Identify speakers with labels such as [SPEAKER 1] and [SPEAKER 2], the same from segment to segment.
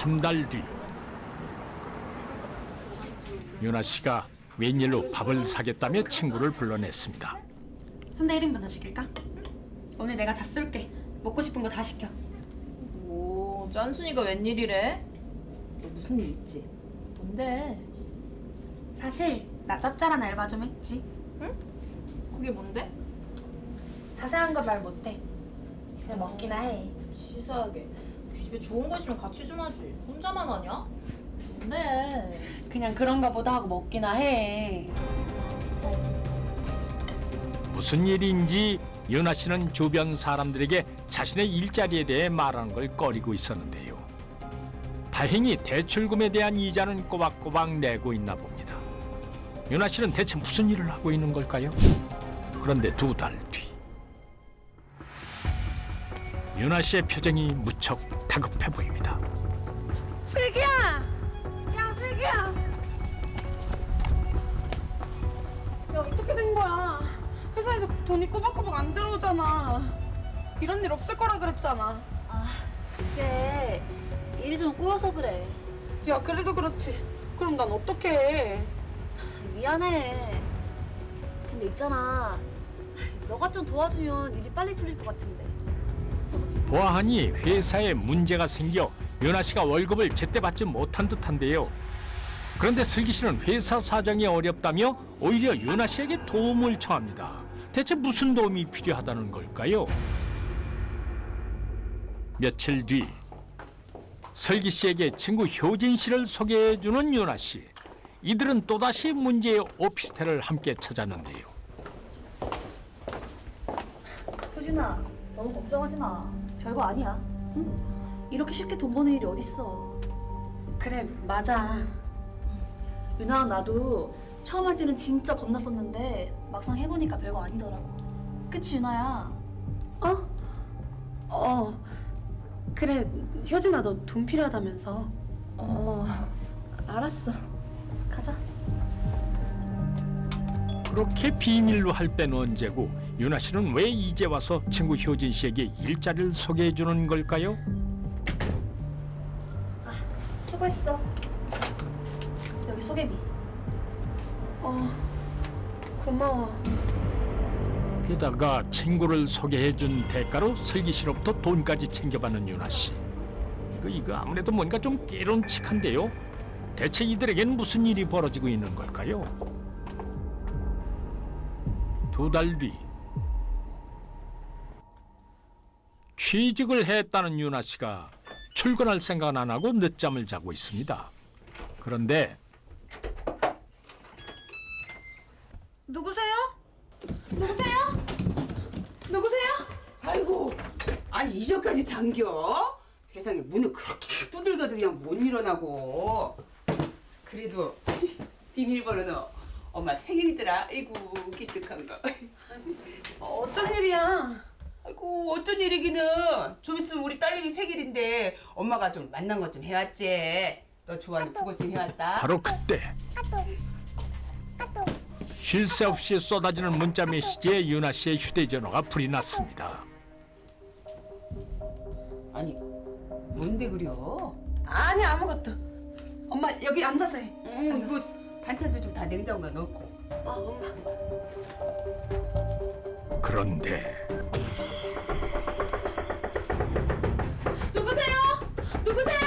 [SPEAKER 1] 한 달 뒤 유나 씨가 웬일로 밥을 사겠다며 친구를 불러냈습니다.
[SPEAKER 2] 순대 1인분 더 시킬까? 오늘 내가 다 쏠게. 먹고 싶은 거 다 시켜.
[SPEAKER 3] 오, 짠순이가 웬일이래? 너 무슨 일 있지? 뭔데?
[SPEAKER 2] 사실 나 짭짤한 알바 좀 했지.
[SPEAKER 3] 그게 뭔데?
[SPEAKER 2] 자세한 거 말 못해. 그냥 먹기나 해.
[SPEAKER 3] 치사하게. 이 집에 좋은 거 있으면 같이 좀 하지. 혼자만 하냐? 뭔데?
[SPEAKER 2] 그냥 그런 거 보다 하고 먹기나 해.
[SPEAKER 3] 치사해 진짜.
[SPEAKER 1] 무슨 일인지 유나 씨는 주변 사람들에게 자신의 일자리에 대해 말하는 걸 꺼리고 있었는데요. 다행히 대출금에 대한 이자는 꼬박꼬박 내고 있나 봅니다. 유나 씨는 대체 무슨 일을 하고 있는 걸까요? 그런데 2달 뒤 유나 씨의 표정이 무척 다급해 보입니다.
[SPEAKER 2] 슬기야! 야, 슬기야! 야, 어떻게 된 거야? 회사에서 돈이 꼬박꼬박 안 들어오잖아. 이런 일 없을 거라 그랬잖아.
[SPEAKER 4] 아, 그게 일이 좀 꼬여서 그래.
[SPEAKER 2] 야, 그래도 그렇지. 그럼 난 어떻게 해?
[SPEAKER 4] 미안해. 근데 있잖아. 너가 좀 도와주면 일이 빨리 풀릴 것 같은데.
[SPEAKER 1] 보아하니 회사에 문제가 생겨 유나 씨가 월급을 제때 받지 못한 듯한데요. 그런데 슬기 씨는 회사 사정이 어렵다며 오히려 유나 씨에게 도움을 청합니다. 대체 무슨 도움이 필요하다는 걸까요? 며칠 뒤 슬기 씨에게 친구 효진 씨를 소개해주는 유나 씨. 이들은 또다시 문제의 오피스텔을 함께 찾았는데요.
[SPEAKER 4] 효진아, 너무 걱정하지 마. 별거 아니야. 응? 이렇게 쉽게 돈 버는 일이 어딨어.
[SPEAKER 2] 그래, 맞아.
[SPEAKER 4] 유나랑 나도 처음 할 때는 진짜 겁났었는데 막상 해보니까 별거 아니더라고. 그치, 유나야?
[SPEAKER 2] 그래, 효진아, 너 돈 필요하다면서.
[SPEAKER 4] 알았어. 가자.
[SPEAKER 1] 그렇게 비밀로 할 때는 언제고 유나 씨는 왜 이제 와서 친구 효진 씨에게 일자리를 소개해 주는 걸까요?
[SPEAKER 4] 수고했어. 여기 소개비.
[SPEAKER 2] 고마워.
[SPEAKER 1] 게다가 친구를 소개해 준 대가로 슬기 씨로부터 돈까지 챙겨받는 유나 씨. 이거 아무래도 뭔가 좀 깨론칙한데요. 대체 이들에겐 무슨 일이 벌어지고 있는 걸까요? 2달 뒤 취직을 했다는 유나 씨가 출근할 생각은 안 하고 늦잠을 자고 있습니다. 그런데
[SPEAKER 2] 누구세요? 누구세요? 누구세요?
[SPEAKER 5] 아이고, 아니 이전까지 잠겨? 세상에 문을 그렇게 두들겨도 그냥 못 일어나고. 그래도 비밀번호는 엄마 생일이더라. 아이고 기특한 거.
[SPEAKER 2] 어쩐 일이야?
[SPEAKER 5] 아이고 어쩐 일이기는. 좀 있으면 우리 딸내미 생일인데 엄마가 좀 만난 것 좀 해왔지. 너 좋아하는 북어 좀 해왔다.
[SPEAKER 1] 바로 그때 쉴 새 없이 쏟아지는 문자 메시지에 유나 씨의 휴대전화가 불이 났습니다.
[SPEAKER 5] 아니 뭔데 그려?
[SPEAKER 2] 아니, 아무것도. 엄마, 여기 앉아서 해.
[SPEAKER 5] 이거 반찬도 좀 다 냉장고에 넣고.
[SPEAKER 2] 엄마.
[SPEAKER 1] 그런데
[SPEAKER 2] 누구세요? 누구세요?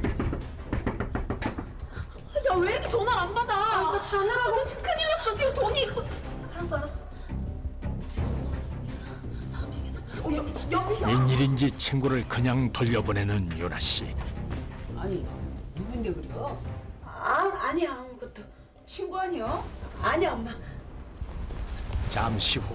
[SPEAKER 2] 야, 왜 이렇게 전화를 안 받아? 자느라고. 너 지금 큰일 났어. 지금 돈이. 알았어. 지금 엄마가 있으니까 다음에 얘기하자. 여기.
[SPEAKER 1] 웬일인지 친구를 그냥 돌려보내는 유나 씨.
[SPEAKER 5] 아니 누군데 그려?
[SPEAKER 2] 아니야, 아무것도.
[SPEAKER 5] 친구 아니야?
[SPEAKER 2] 아니야, 엄마.
[SPEAKER 1] 잠시 후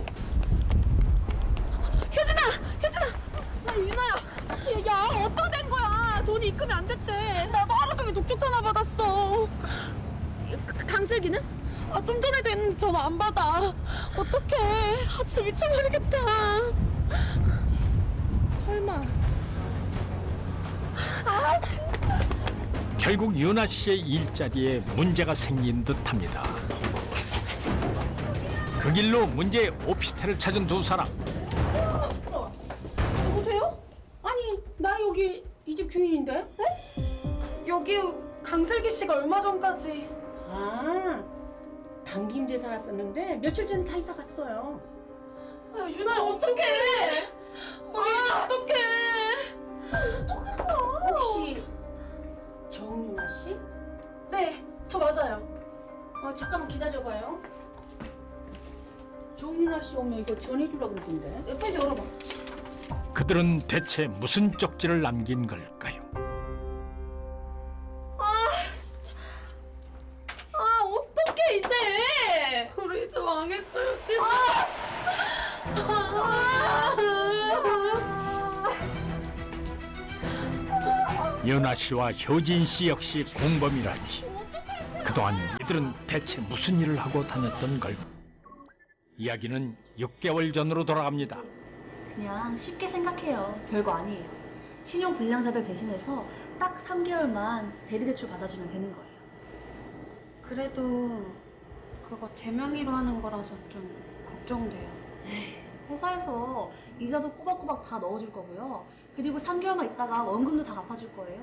[SPEAKER 2] 효진아! 나 유나야. 야, 어떻게 된 거야? 돈이 입금이 안 됐대. 나도 하루 종일 독촉 전화 받았어. 강슬기는? 좀 전에도 했는데 전화 안 받아. 어떡해. 진짜 미쳐버리겠다. 설마.
[SPEAKER 1] 결국 유나 씨의 일자리에 문제가 생긴 듯합니다. 그 길로 문제의 오피스텔을 찾은 두 사람.
[SPEAKER 2] 누구세요? 아니, 나 여기 이 집 주인인데? 네? 저기 강슬기 씨가 얼마 전까지
[SPEAKER 6] 아, 당김제 살았었는데 며칠 전에 다 이사 갔어요.
[SPEAKER 2] 아, 유나야 어떡해 어떡해
[SPEAKER 6] 혹시 정윤아 씨?
[SPEAKER 2] 네, 저 맞아요.
[SPEAKER 6] 잠깐만 기다려봐요. 정윤아 씨 오면 이거 전해주려고 그러던데.
[SPEAKER 2] 네, 빨리 열어봐.
[SPEAKER 1] 그들은 대체 무슨 쪽지를 남긴 걸까요?
[SPEAKER 2] 아, 어떡해 이제. 우리 이제 망했어요, 진짜.
[SPEAKER 1] 윤아 씨와 효진 씨 역시 공범이라니. 그동안 이들은 대체 무슨 일을 하고 다녔던 걸까? 이야기는 6개월 전으로 돌아갑니다.
[SPEAKER 4] 그냥 쉽게 생각해요. 별거 아니에요. 신용 불량자들 대신해서 딱 3개월만 대리대출 받아주면 되는 거예요.
[SPEAKER 7] 그래도 그거 대명의로 하는 거라서 좀 걱정돼요.
[SPEAKER 4] 회사에서 이자도 꼬박꼬박 다 넣어줄 거고요. 그리고 3개월만 있다가 원금도 다 갚아줄 거예요.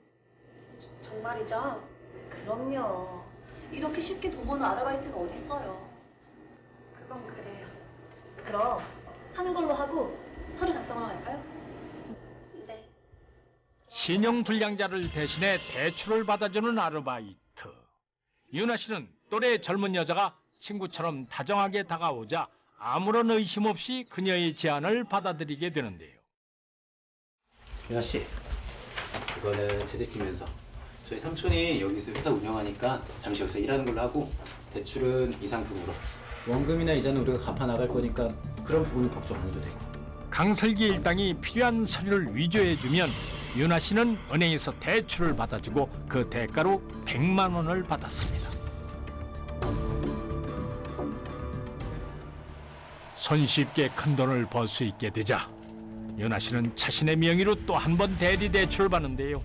[SPEAKER 7] 정말이죠?
[SPEAKER 4] 그럼요. 이렇게 쉽게 돈 버는 아르바이트가 어딨어요.
[SPEAKER 7] 그건 그래요.
[SPEAKER 4] 그럼 하는 걸로 하고 서류 작성하러 갈까요?
[SPEAKER 7] 네.
[SPEAKER 1] 신용 불량자를 대신해 대출을 받아주는 아르바이트. 윤아 씨는 또래 젊은 여자가 친구처럼 다정하게 다가오자 아무런 의심 없이 그녀의 제안을 받아들이게 되는데요.
[SPEAKER 8] 윤아 씨, 이거는 재직지면서 저희 삼촌이 여기서 회사 운영하니까 잠시 여기서 일하는 걸로 하고 대출은 이상품으로 원금이나 이자는 우리가 갚아 나갈 거니까 그런 부분은 걱정 안 해도 되고.
[SPEAKER 1] 강슬기 일당이 필요한 서류를 위조해주면 윤아 씨는 은행에서 대출을 받아주고 그 대가로 100만 원을 받았습니다. 손쉽게 큰 돈을 벌 수 있게 되자 윤아 씨는 자신의 명의로 또 한 번 대리 대출을 받는데요.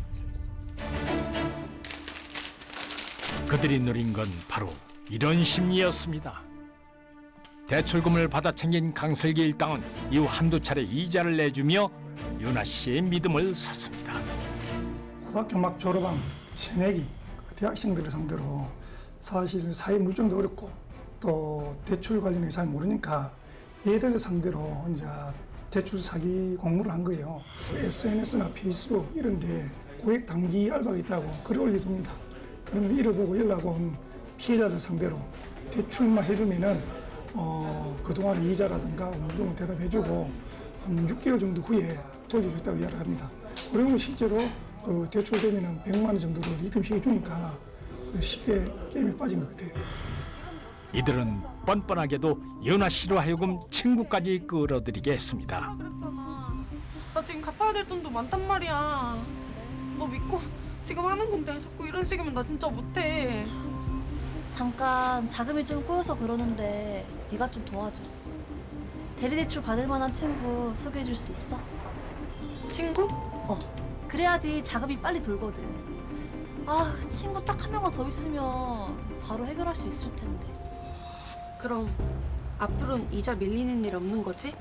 [SPEAKER 1] 그들이 누린 건 바로 이런 심리였습니다. 대출금을 받아 챙긴 강슬기 일당은 이후 한두 차례 이자를 내주며 윤아 씨의 믿음을 샀습니다.
[SPEAKER 9] 고등학교 막 졸업한 새내기 대학생들을 상대로 사실 사회 물정도 어렵고 또 대출 관련이 잘 모르니까 얘들 상대로 이제 대출 사기 공모를 한 거예요. SNS나 페이스북 이런 데 고액 단기 알바가 있다고 글을 올려둡니다. 그러면 이를 보고 연락 온 피해자들 상대로 대출만 해주면은 그동안의 이자라든가 어느 정도 대답해주고 한 6개월 정도 후에 돌려줬다고 이야기를 합니다. 그리고 실제로 그 대출되면은 100만 원 정도를 입금시켜 주니까 쉽게 게임에 빠진 것 같아요.
[SPEAKER 1] 이들은 뻔뻔하게도 윤아 씨로 하여금 친구까지 끌어들이게 했습니다.
[SPEAKER 2] 그랬잖아. 나 지금 갚아야 될 돈도 많단 말이야. 너 믿고 지금 하는 건데 자꾸 이런 식이면 나 진짜 못해.
[SPEAKER 4] 잠깐 자금이 좀 꼬여서 그러는데 네가 좀 도와줘. 대리대출 받을 만한 친구 소개해 줄 수 있어?
[SPEAKER 2] 친구?
[SPEAKER 4] 그래야지 자금이 빨리 돌거든. 아, 친구 딱 한 명만 더 있으면 바로 해결할 수 있을 텐데.
[SPEAKER 2] 그럼 앞으로는 이자 밀리는 일 없는 거지?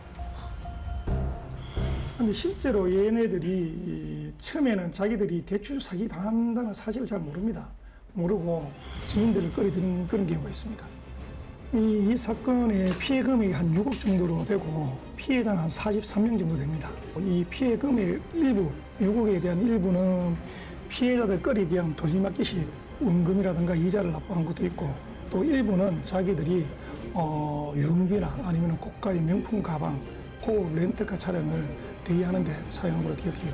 [SPEAKER 9] 근데 실제로 얘네들이 처음에는 자기들이 대출 사기 당한다는 사실을 잘 모릅니다. 모르고 지인들을 끌어들이는 그런 경우가 있습니다. 이 사건의 피해 금액이 한 6억 정도로 되고 피해자는 한 43명 정도 됩니다. 이 피해 금액 일부, 6억에 대한 일부는 피해자들 끌이기 위한 돌림막기식 원금이라든가 이자를 납부한 것도 있고 또 일부는 자기들이 유흥비나 아니면 고가의 명품 가방, 고급 렌터카 차량을 대여하는 데 사용한 걸로 기억해요.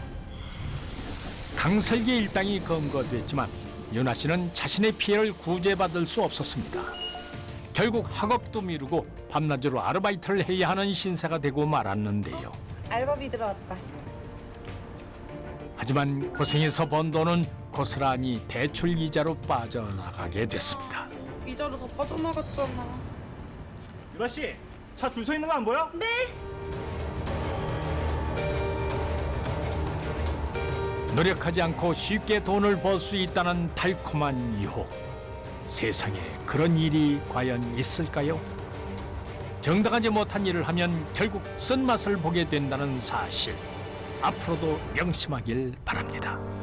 [SPEAKER 1] 강슬기 일당이 검거됐지만 윤아 씨는 자신의 피해를 구제받을 수 없었습니다. 결국 학업도 미루고 밤낮으로 아르바이트를 해야 하는 신세가 되고 말았는데요.
[SPEAKER 2] 알바비 들어왔다.
[SPEAKER 1] 하지만 고생해서 번 돈은 고스란히 대출 이자로 빠져나가게 됐습니다.
[SPEAKER 2] 이자로 더 빠져나갔잖아.
[SPEAKER 10] 유라 씨, 차 줄 서 있는 거 안 보여?
[SPEAKER 2] 네.
[SPEAKER 1] 노력하지 않고 쉽게 돈을 벌 수 있다는 달콤한 유혹. 세상에 그런 일이 과연 있을까요? 정당하지 못한 일을 하면 결국 쓴맛을 보게 된다는 사실. 앞으로도 명심하길 바랍니다.